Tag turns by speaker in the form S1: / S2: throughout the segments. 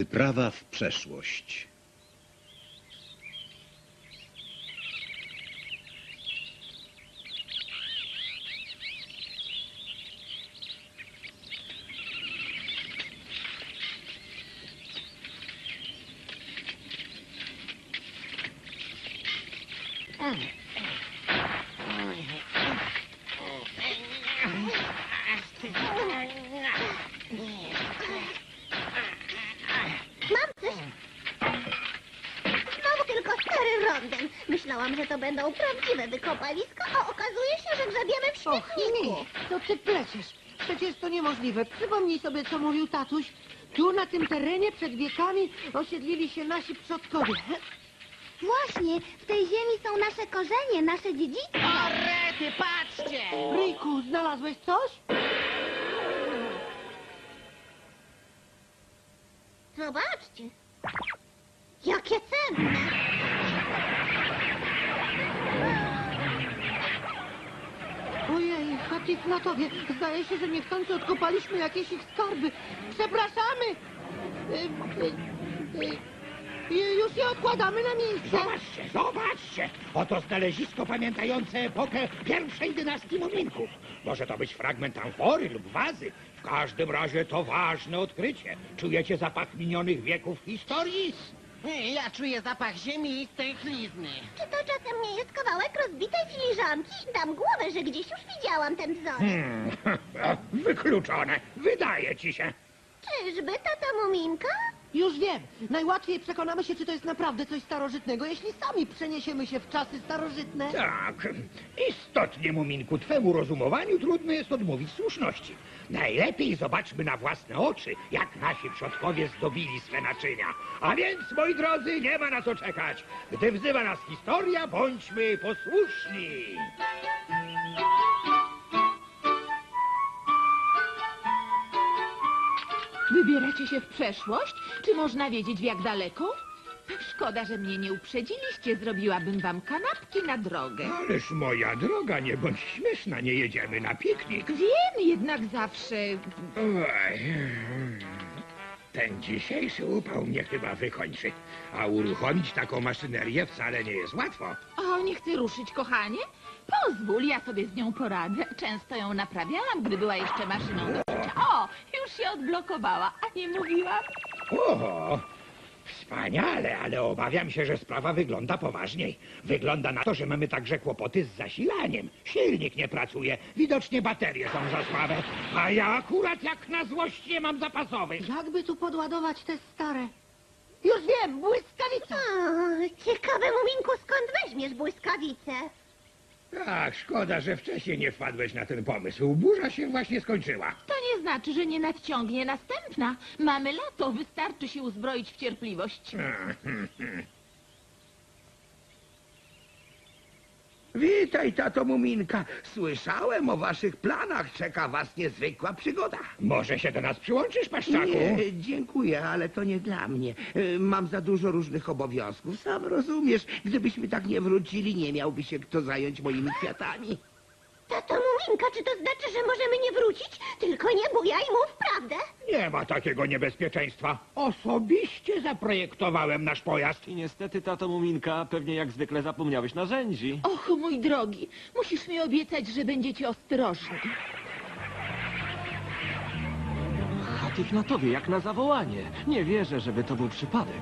S1: Wyprawa w przeszłość.
S2: Mam coś. Znowu tylko stary rondem. Myślałam, że to będą prawdziwe wykopaliska, a okazuje się, że grzebiemy w
S3: Och,
S2: śmietniku.
S3: nie, to ty pleciesz. Przecież to niemożliwe. Przypomnij sobie, co mówił tatuś. Tu, na tym terenie, przed wiekami osiedlili się nasi przodkowie.
S2: Właśnie, w tej ziemi są nasze korzenie, nasze dziedzictwo.
S4: O, rety, patrzcie!
S3: Ryjku, znalazłeś coś?
S2: Zobaczcie. Jakie cenne.
S3: Ojej, Hatifnatowie, zdaje się, że niechcący odkopaliśmy jakieś ich skarby. Przepraszamy! Już je odkładamy na miejsce.
S5: Zobaczcie, zobaczcie! Oto znalezisko pamiętające epokę pierwszej dynastii Muminków. Może to być fragment amfory lub wazy. W każdym razie to ważne odkrycie. Czujecie zapach minionych wieków historii?
S4: Ja czuję zapach ziemi i stęchlizny.
S2: Czy to czasem nie jest kawałek rozbitej filiżanki? Dam głowę, że gdzieś już widziałam ten wzorek.
S5: Wykluczone. Wydaje ci się.
S2: Czyżby tata Muminka?
S3: Już wiem. Najłatwiej przekonamy się, czy to jest naprawdę coś starożytnego, jeśli sami przeniesiemy się w czasy starożytne.
S5: Tak, istotnie, Muminku, twemu rozumowaniu trudno jest odmówić słuszności. Najlepiej zobaczmy na własne oczy, jak nasi przodkowie zdobili swe naczynia. A więc, moi drodzy, nie ma na co czekać. Gdy wzywa nas historia, bądźmy posłuszni.
S6: Wybieracie się w przeszłość? Czy można wiedzieć, w jak daleko? Szkoda, że mnie nie uprzedziliście. Zrobiłabym wam kanapki na drogę.
S5: Ależ, moja droga, nie bądź śmieszna, nie jedziemy na piknik.
S6: Wiem, jednak zawsze...
S5: Oj, ten dzisiejszy upał mnie chyba wykończy. A uruchomić taką maszynerię wcale nie jest łatwo.
S6: O, nie chcę ruszyć, kochanie? Pozwól, ja sobie z nią poradzę. Często ją naprawiałam, gdy była jeszcze maszyną do szycia. O, już się odblokowała, a nie mówiłam?
S5: O, wspaniale, ale obawiam się, że sprawa wygląda poważniej. Wygląda na to, że mamy także kłopoty z zasilaniem. Silnik nie pracuje, widocznie baterie są za słabe, a ja akurat jak na złość nie mam zapasowych.
S3: Jakby tu podładować te stare? Już wiem, błyskawica!
S2: Ciekawe, Muminku, skąd weźmiesz błyskawicę?
S5: Tak, szkoda, że wcześniej nie wpadłeś na ten pomysł. Burza się właśnie skończyła.
S6: To nie znaczy, że nie nadciągnie następna. Mamy lato, wystarczy się uzbroić w cierpliwość.
S7: Witaj, tato Muminka. Słyszałem o waszych planach. Czeka was niezwykła przygoda.
S5: Może się do nas przyłączysz, paszczaku?
S7: Nie, dziękuję, ale to nie dla mnie. Mam za dużo różnych obowiązków. Sam rozumiesz, gdybyśmy tak nie wrócili, nie miałby się kto zająć moimi kwiatami.
S2: Tato Muminka, czy to znaczy, że możemy nie wrócić? Tylko nie bujaj, mów prawdę.
S5: Nie ma takiego niebezpieczeństwa. Osobiście zaprojektowałem nasz pojazd.
S8: I niestety, tato Muminka, pewnie jak zwykle zapomniałeś narzędzi.
S6: Och, mój drogi, musisz mi obiecać, że będziecie ostrożni.
S8: Hatifnatowie, jak na zawołanie. Nie wierzę, żeby to był przypadek.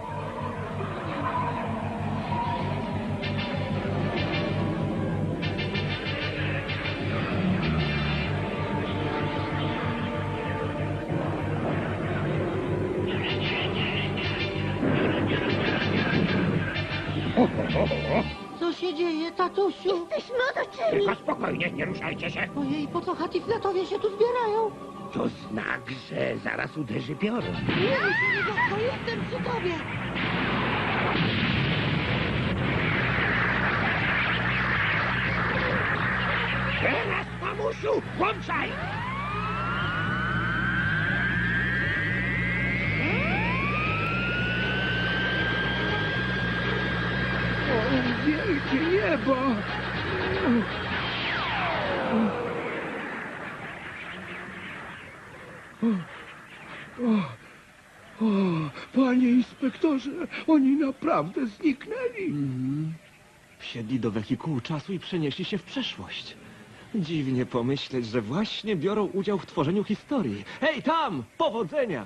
S3: Co się dzieje, tatusiu?
S2: Jesteśmy otoczeni.
S5: Tylko spokojnie, nie ruszajcie się.
S3: Ojej, po co Hatifnatowie się tu zbierają?
S7: To znak, że zaraz uderzy piorun.
S3: Nie, to jestem przy tobie.
S5: Teraz, mamusiu, włączaj!
S7: O, wielkie niebo! O, Panie inspektorze, oni naprawdę zniknęli.
S8: Wsiedli do wehikułu czasu i przenieśli się w przeszłość. Dziwnie pomyśleć, że właśnie biorą udział w tworzeniu historii. Hej, tam! Powodzenia!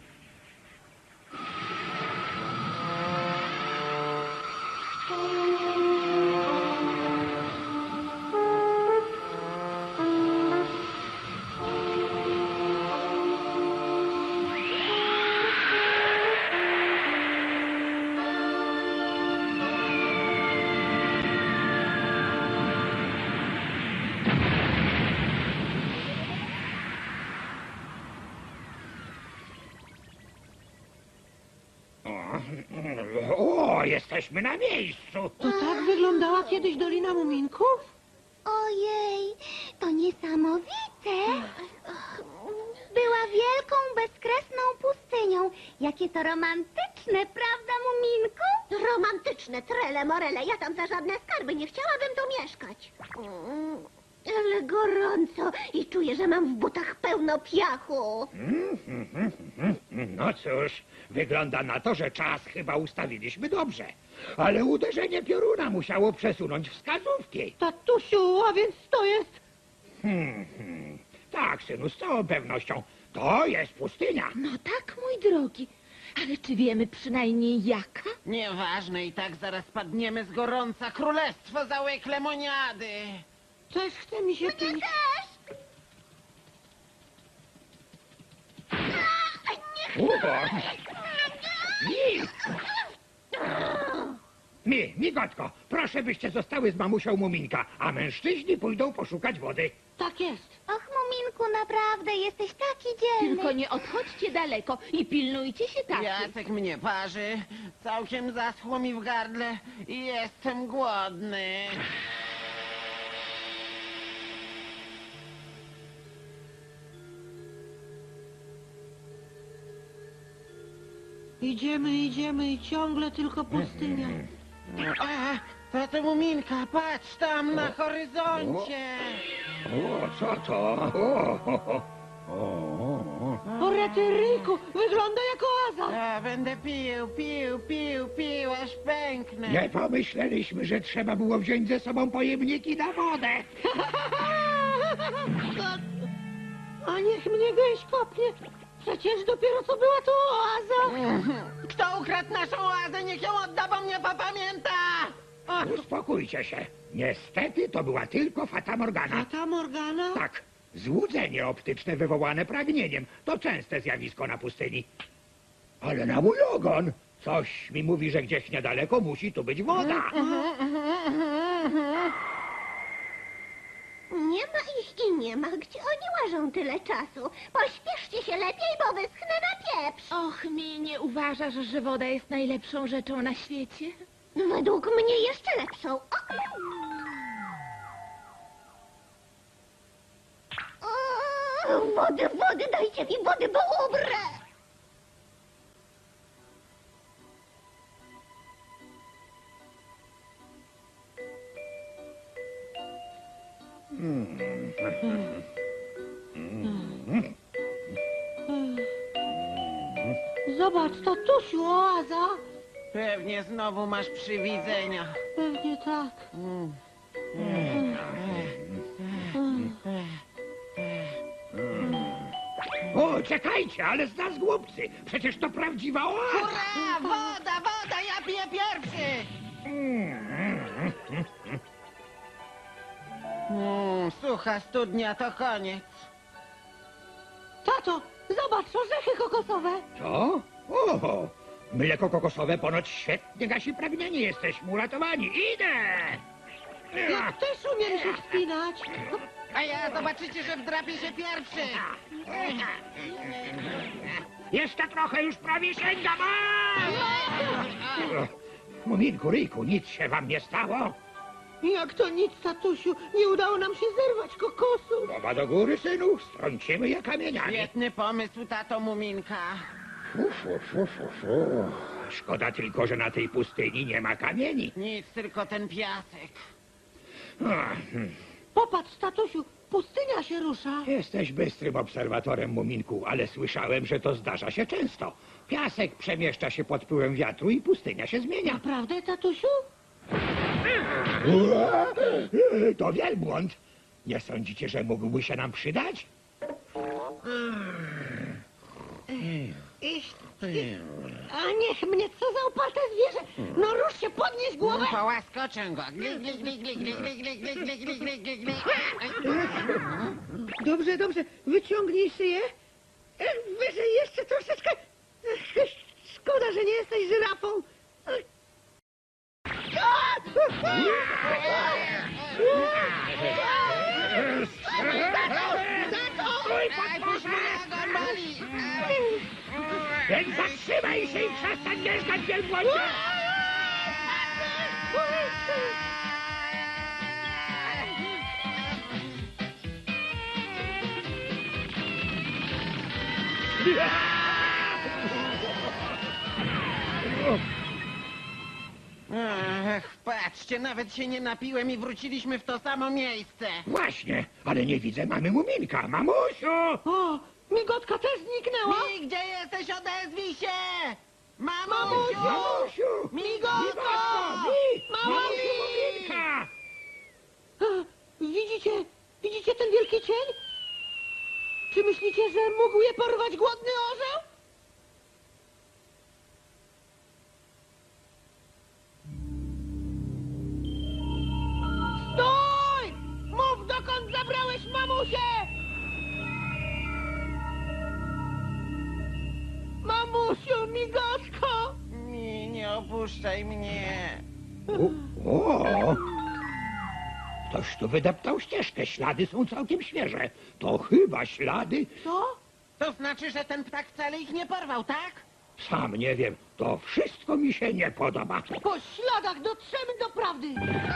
S5: O, jesteśmy na miejscu.
S3: To tak wyglądała kiedyś Dolina Muminków?
S2: Ojej, to niesamowite. Była wielką, bezkresną pustynią. Jakie to romantyczne, prawda, Muminku? Romantyczne, trele morele. Ja tam za żadne skarby nie chciałabym tu mieszkać. Ale gorąco i czuję, że mam w butach pełno piachu.
S5: No cóż, wygląda na to, że czas chyba ustawiliśmy dobrze. Ale uderzenie pioruna musiało przesunąć wskazówki.
S3: Tatusiu, a więc to jest...
S5: Tak, synu, z całą pewnością. To jest pustynia.
S6: No tak, mój drogi. Ale czy wiemy przynajmniej jaka?
S4: Nieważne, i tak zaraz padniemy z gorąca. Królestwo załek lemoniady.
S3: Też chce mi się pić.
S5: Migotko, proszę byście zostały z mamusią Muminka, a mężczyźni pójdą poszukać wody.
S3: Tak jest.
S2: Och, Muminku, naprawdę jesteś taki dzielny.
S6: Tylko nie odchodźcie daleko i pilnujcie się tak.
S4: Piasek mnie parzy. Całkiem zaschło mi w gardle i jestem głodny.
S3: Idziemy i ciągle tylko pustynia.
S4: To Muminka, patrz tam na horyzoncie.
S5: O, co to?
S3: O, Retyryku, wygląda jak oaza.
S4: Ja będę pił, aż pęknę.
S5: Nie pomyśleliśmy, że trzeba było wziąć ze sobą pojemniki na wodę.
S3: A niech mnie gęś kopnie. Przecież dopiero co była to oaza.
S4: Kto ukradł naszą oazę, niech ją odda, bo mnie popamięta.
S5: Uspokójcie się. Niestety to była tylko Fata Morgana.
S3: A ta Morgana?
S5: Tak, złudzenie optyczne wywołane pragnieniem to częste zjawisko na pustyni. Ale na mój ogon! Coś mi mówi, że gdzieś niedaleko musi tu być woda.
S2: Nie ma ich i nie ma. Gdzie oni łażą tyle czasu? Pośpieszcie się lepiej, bo wyschnę na pieprz.
S6: Och, mi nie uważasz, że woda jest najlepszą rzeczą na świecie?
S2: Według mnie jeszcze lepszą. Wody, dajcie mi wody, bo umrę.
S3: Zobacz, tatusiu, oaza.
S4: Pewnie znowu masz przywidzenia.
S3: Pewnie tak.
S5: O, czekajcie, ale z nas głupcy. Przecież to prawdziwa oaza.
S4: Hurra! Woda, ja piję pierwszy! Sucha studnia to koniec.
S3: Tato, zobacz, orzechy kokosowe.
S5: Co? O, mleko kokosowe ponoć świetnie gasi pragnienie. Jesteśmy uratowani. Idę!
S3: Ja też umiem się wspinać.
S4: A ja zobaczycie, że wdrapię się pierwszy.
S5: Jeszcze trochę, już prawie sięgam. Muminku, Ryjku, nic się wam nie stało?
S3: Jak to nic, tatusiu, nie udało nam się zerwać kokosu.
S5: Głowa do góry, synu, strącimy je kamieniami.
S4: Świetny pomysł, tato Muminka.
S5: Szkoda tylko, że na tej pustyni nie ma kamieni.
S4: Nic, tylko ten piasek.
S3: Popatrz, tatusiu, pustynia się rusza.
S5: Jesteś bystrym obserwatorem, Muminku, ale słyszałem, że to zdarza się często. Piasek przemieszcza się pod wpływem wiatru i pustynia się zmienia.
S3: Naprawdę, tatusiu?
S5: To wielbłąd. Nie sądzicie, że mógłby się nam przydać?
S3: A niech mnie, co za oparte zwierzę! No rusz się, podnieś głowę!
S4: Połaskoczę go. Gli, gli, gli, gli, gli, gli, gli, gli, gli, gli, gli, gli, gli.
S3: Dobrze, dobrze, wyciągnij szyję. Wyżej jeszcze troszeczkę. Szkoda, że nie jesteś żyrafą.
S4: Aj, puść mnie, go boli.
S5: Więc zatrzymaj się i przestań jeżdżać, wielbłądzie!
S4: Ach, patrzcie, nawet się nie napiłem i wróciliśmy w to samo miejsce.
S5: Właśnie, ale nie widzę mamy Muminka. Mamusiu!
S3: O, migotka też zniknęła.
S4: Mi, gdzie jesteś? Odezwij się!
S3: Mamusiu!
S5: Mamusiu!
S4: Migotko!
S5: Mamusiu Muminka!
S3: Widzicie ten wielki cień? Czy myślicie, że mógł je porwać głodny orzeł? Stój! Mów, dokąd zabrałeś mamusię! Mamusiu, migotko!
S4: Mi, nie opuszczaj mnie.
S5: O! Ktoś tu wydeptał ścieżkę. Ślady są całkiem świeże. To chyba ślady...
S3: Co?
S4: To znaczy, że ten ptak wcale ich nie porwał, tak?
S5: Sam nie wiem. To wszystko mi się nie podoba.
S3: Po śladach dotrzemy do prawdy!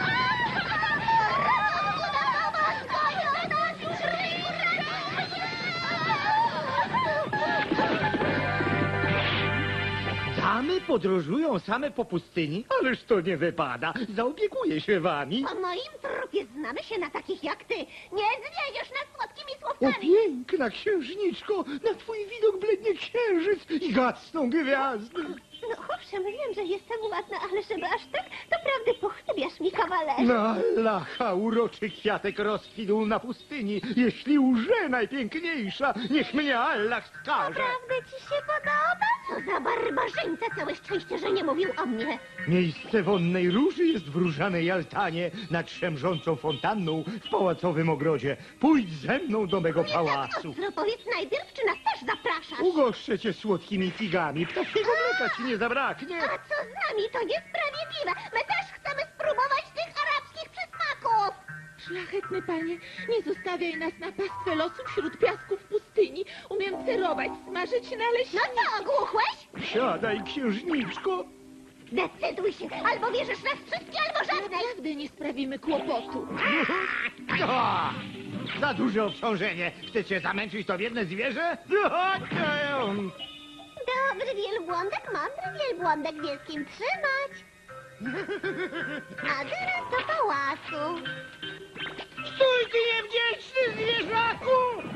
S9: Damy podróżują same po pustyni? Ależ to nie wypada. Zaopiekuję się wami.
S2: Po moim trupie znamy się na takich jak ty. Nie zwieziesz nas słodkimi
S9: O
S2: słówkami.
S9: piękna księżniczko, na twój widok blednie księżyc i gasną gwiazdy.
S2: No owszem, wiem, że jestem ładna, ale żeby aż tak, to prawdy pochlebiasz mi, kawalerze.
S9: Na lacha uroczy kwiatek rozkwitł na pustyni. Jeśli łże najpiękniejsza, niech mnie Allah skaże.
S2: Naprawdę ci się podoba? Co za barbarzyńca, całe szczęście, że nie mówił o mnie.
S9: Miejsce wonnej róży jest w różanej altanie nad szemrzącą fontanną w pałacowym ogrodzie. Pójdź ze mną do mego pałacu.
S2: Ostro, powiedz najpierw, czy nas też zapraszasz?
S9: Ugoszczę cię słodkimi figami. Ptasiego mleka ci nie zabraknie.
S2: A co z nami? To niesprawiedliwe. My też chcemy spróbować tych arabskich przysmaków.
S6: Szlachetny panie, nie zostawiaj nas na pastwę losu wśród piasków pustyni. Umiem cerować, smażyć
S2: No
S6: naleśniki.
S2: co, ogłuchłeś?
S9: Siadaj, księżniczko.
S2: Decyduj się, albo wierzysz nas wszystkie, albo żadnej.
S6: Naprawdę nie sprawimy kłopotu.
S9: O! Za duże obciążenie. Chcecie zamęczyć to biedne zwierzę?
S2: Dobry wielbłądek, mądry wielbłądek wie z kim trzymać. A teraz do pałacu.
S9: Stój, ty niewdzięczny zwierzaku!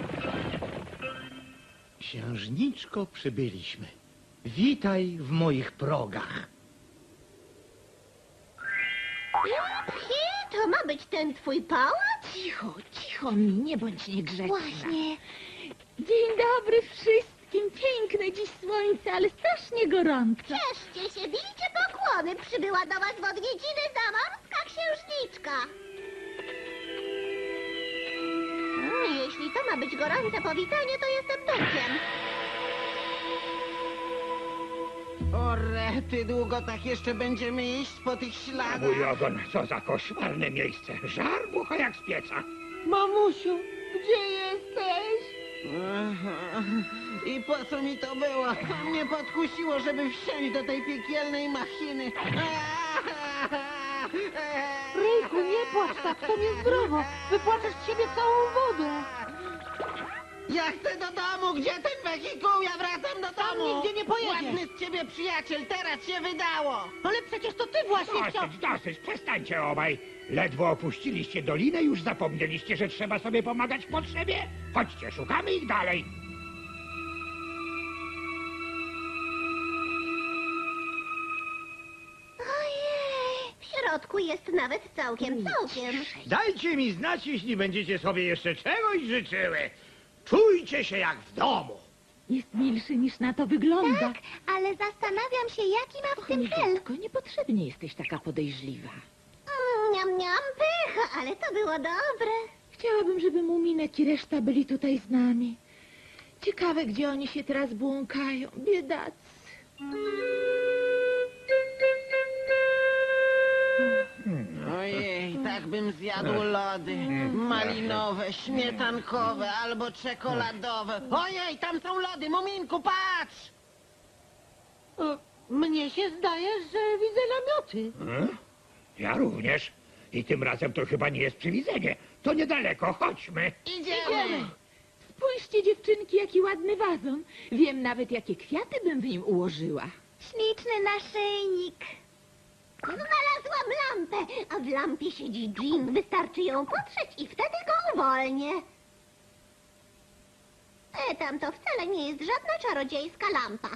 S9: Księżniczko, przybyliśmy. Witaj w moich progach.
S2: Phi, to ma być ten twój pałac?
S6: Cicho, cicho mi, nie bądź niegrzeczna.
S2: Właśnie.
S6: Dzień dobry wszystkim. Piękne dziś słońce, ale strasznie gorąco.
S2: Cieszcie się, bijcie pokłony. Przybyła do was w odwiedziny zamorska księżniczka. Jeśli to ma być gorące powitanie, to jestem duchem.
S4: O rety, długo tak jeszcze będziemy iść po tych śladach.
S5: Mój ogon, co za koszmarne miejsce. Żar bucha jak z pieca.
S3: Mamusiu, gdzie jesteś?
S4: Aha. I po co mi to było? To mnie podkusiło, żeby wsiąść do tej piekielnej machiny.
S3: Ryjku, nie płacz tak, to niezdrowo. Wypłaczesz z siebie całą wodę.
S4: Ja chcę do domu! Gdzie ten wehikuł? Ja wracam do
S3: Tam
S4: domu!
S3: nigdzie nie pojedziesz.
S4: Ładny z ciebie przyjaciel, teraz się wydało!
S3: Ale przecież to ty właśnie chciał...
S5: Dosyć, przestańcie obaj. Ledwo opuściliście dolinę, już zapomnieliście, że trzeba sobie pomagać w potrzebie? Chodźcie, szukamy ich dalej.
S2: Ojej, w środku jest nawet całkiem.
S9: Dajcie mi znać, jeśli będziecie sobie jeszcze czegoś życzyły. Czujcie się jak w domu.
S6: Jest milszy niż na to wygląda.
S2: Tak, ale zastanawiam się, jaki ma w tym cel.
S6: Dziecko, niepotrzebnie jesteś taka podejrzliwa.
S2: Niam, niam, pycha, ale to było dobre.
S6: Chciałabym, żeby Muminek i reszta byli tutaj z nami. Ciekawe, gdzie oni się teraz błąkają. Biedacy.
S4: Ojej, tak bym zjadł lody. Malinowe, śmietankowe albo czekoladowe. Ojej, tam są lody! Muminku, patrz!
S3: Mnie się zdaje, że widzę namioty.
S5: Ja również. I tym razem to chyba nie jest przywidzenie. To niedaleko, chodźmy.
S4: Idziemy!
S6: Spójrzcie, dziewczynki, jaki ładny wazon. Wiem nawet, jakie kwiaty bym w nim ułożyła.
S2: Śliczny naszyjnik. Znalazłam lampę, a w lampie siedzi Jean. Wystarczy ją potrzeć i wtedy go uwolnię. Tam to wcale nie jest żadna czarodziejska lampa.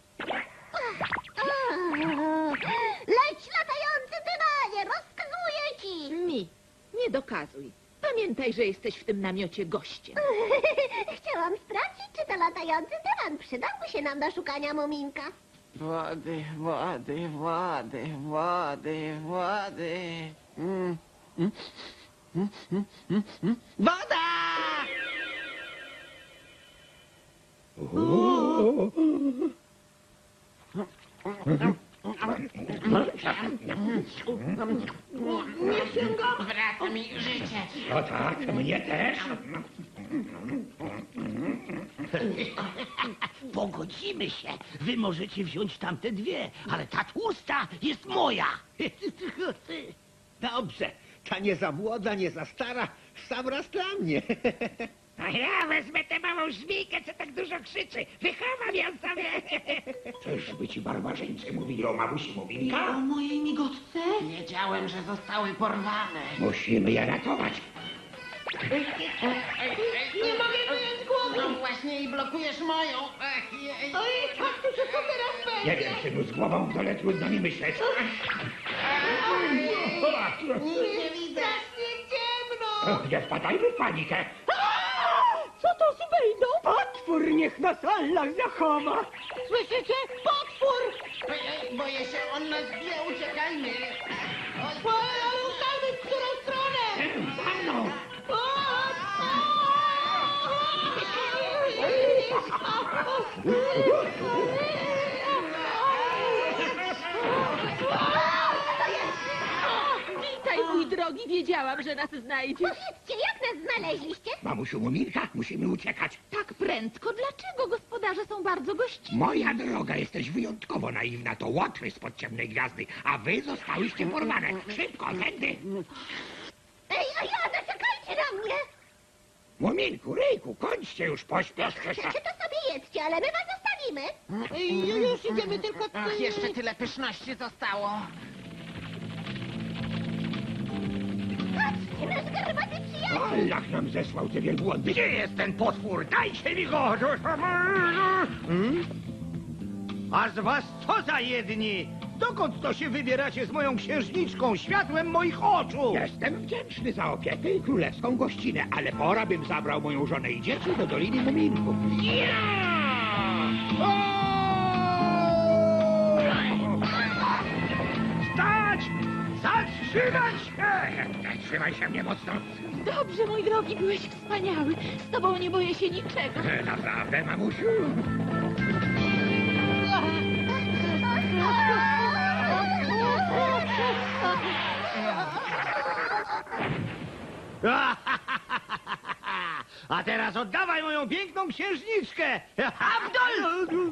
S2: Leć, latający dymanie, rozkazuję ci!
S6: Mi, nie dokazuj. Pamiętaj, że jesteś w tym namiocie gościem.
S2: Chciałam sprawdzić, czy to latający dywan przydałby się nam do szukania Muminka.
S4: Wody, wody, wody, wody, wody. Woda! Wraca mi życie.
S5: No tak, mnie też.
S7: Pogodzimy się. Wy możecie wziąć tamte dwie, ale ta tłusta jest moja.
S1: Dobrze, ta nie za młoda, nie za stara, w sam raz dla mnie.
S5: A ja wezmę tę małą żmijkę, co tak dużo krzyczy. Wychowam ją sobie. Czyżby ci barbarzyńcy mówili o mamusi Muminka?
S3: mojej migotce?
S4: Wiedziałem, że zostały porwane.
S5: Musimy je ratować.
S4: Nie mogę wyjąć głowy! No właśnie i blokujesz moją. Ach, jej.
S3: Ojej, kaktusie, co teraz
S5: Nie
S3: będzie?
S5: wiem, synu, z głową w dole trudno mi myśleć.
S4: Nic nie widzę.
S3: Strasznie ciemno!
S5: Nie wpadajmy w panikę.
S3: Co to z Bejdą?
S9: Potwór niech nas Allah zachowa.
S3: Słyszycie? Potwór!
S4: Ojej, boję się, on nas wie, uciekajmy.
S3: Oj, ale ustalmy, w którą stronę!
S5: Za mną.
S6: Witaj, mój drogi, wiedziałam, że nas znajdziesz.
S2: Powiedzcie, jak nas znaleźliście?
S5: Mamusiu Muminka, musimy uciekać.
S6: Tak prędko, dlaczego gospodarze są bardzo gościnni?
S5: Moja droga, jesteś wyjątkowo naiwna. To łotry spod ciemnej gwiazdy, a wy zostałyście porwane. Szybko, tędy.
S2: Ej, a ja, zaczekajcie na mnie!
S5: Muminku, Ryjku, kończcie już, pośpieszcie się.
S2: Chcecie to sobie jedzcie, ale my was zostawimy.
S3: Już idziemy, tylko...
S4: Ach, jeszcze tyle pyszności zostało.
S2: Patrzcie, nasz garbaty przyjaciel.
S5: Allah nam zesłał te wielbłądy. Gdzie jest ten potwór? Dajcie mi go!
S9: A z was co za jedni? Dokąd to się wybieracie z moją księżniczką, światłem moich oczu?
S5: Jestem wdzięczny za opiekę i królewską gościnę, ale pora bym zabrał moją żonę i dzieci do Doliny Muminków.
S9: Stać! Zatrzymać się!
S5: Trzymaj się mnie mocno.
S6: Dobrze, mój drogi, byłeś wspaniały. Z tobą nie boję się niczego.
S5: Naprawdę, mamusiu?
S9: A teraz oddawaj moją piękną księżniczkę! Abdul!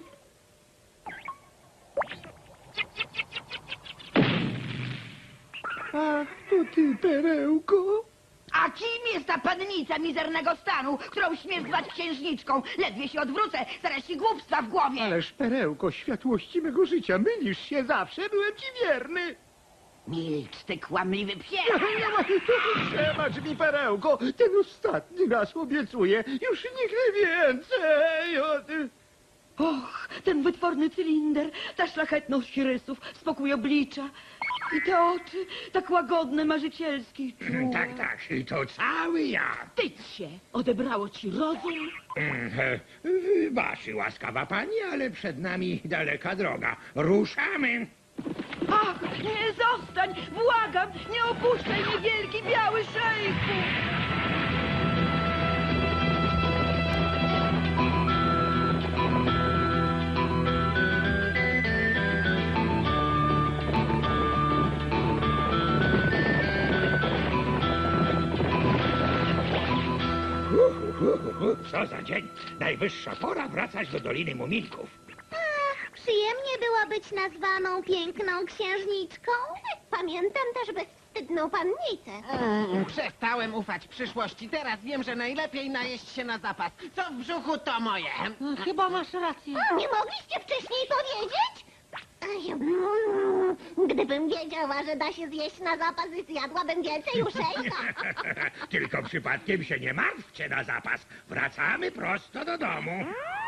S9: A to ty, perełko?
S10: A kim jest ta pannica mizernego stanu, którą śmiesz zwać księżniczką? Ledwie się odwrócę, zaraz ci głupstwa w głowie.
S9: Ależ, Perełko, światłości mego życia, mylisz się zawsze, byłem ci wierny.
S10: Milcz, ty kłamliwy psie.
S9: Przebacz mi, Perełko, ten ostatni raz obiecuję, już nigdy więcej.
S10: Och, ten wytworny cylinder, ta szlachetność rysów, spokój oblicza i te oczy, tak łagodne, marzycielskie i czułe.
S5: Tak, tak, i to cały ja.
S6: Wstydź się! Odebrało ci rozum?
S5: Wybaczy, łaskawa pani, ale przed nami daleka droga. Ruszamy.
S10: Ach, nie, zostań, błagam, nie opuszczaj mnie, wielki biały szejku.
S5: Co za dzień. Najwyższa pora wracać do Doliny Muminków.
S2: Przyjemnie było być nazwaną piękną księżniczką. Pamiętam też bezwstydną pannicę.
S4: Przestałem ufać przyszłości. Teraz wiem, że najlepiej najeść się na zapas. Co w brzuchu, to moje.
S3: Chyba masz rację.
S2: Nie mogliście wcześniej powiedzieć? Gdybym wiedziała, że da się zjeść na zapas, zjadłabym więcej uszejka.
S5: Tylko przypadkiem się nie martwcie na zapas. Wracamy prosto do domu.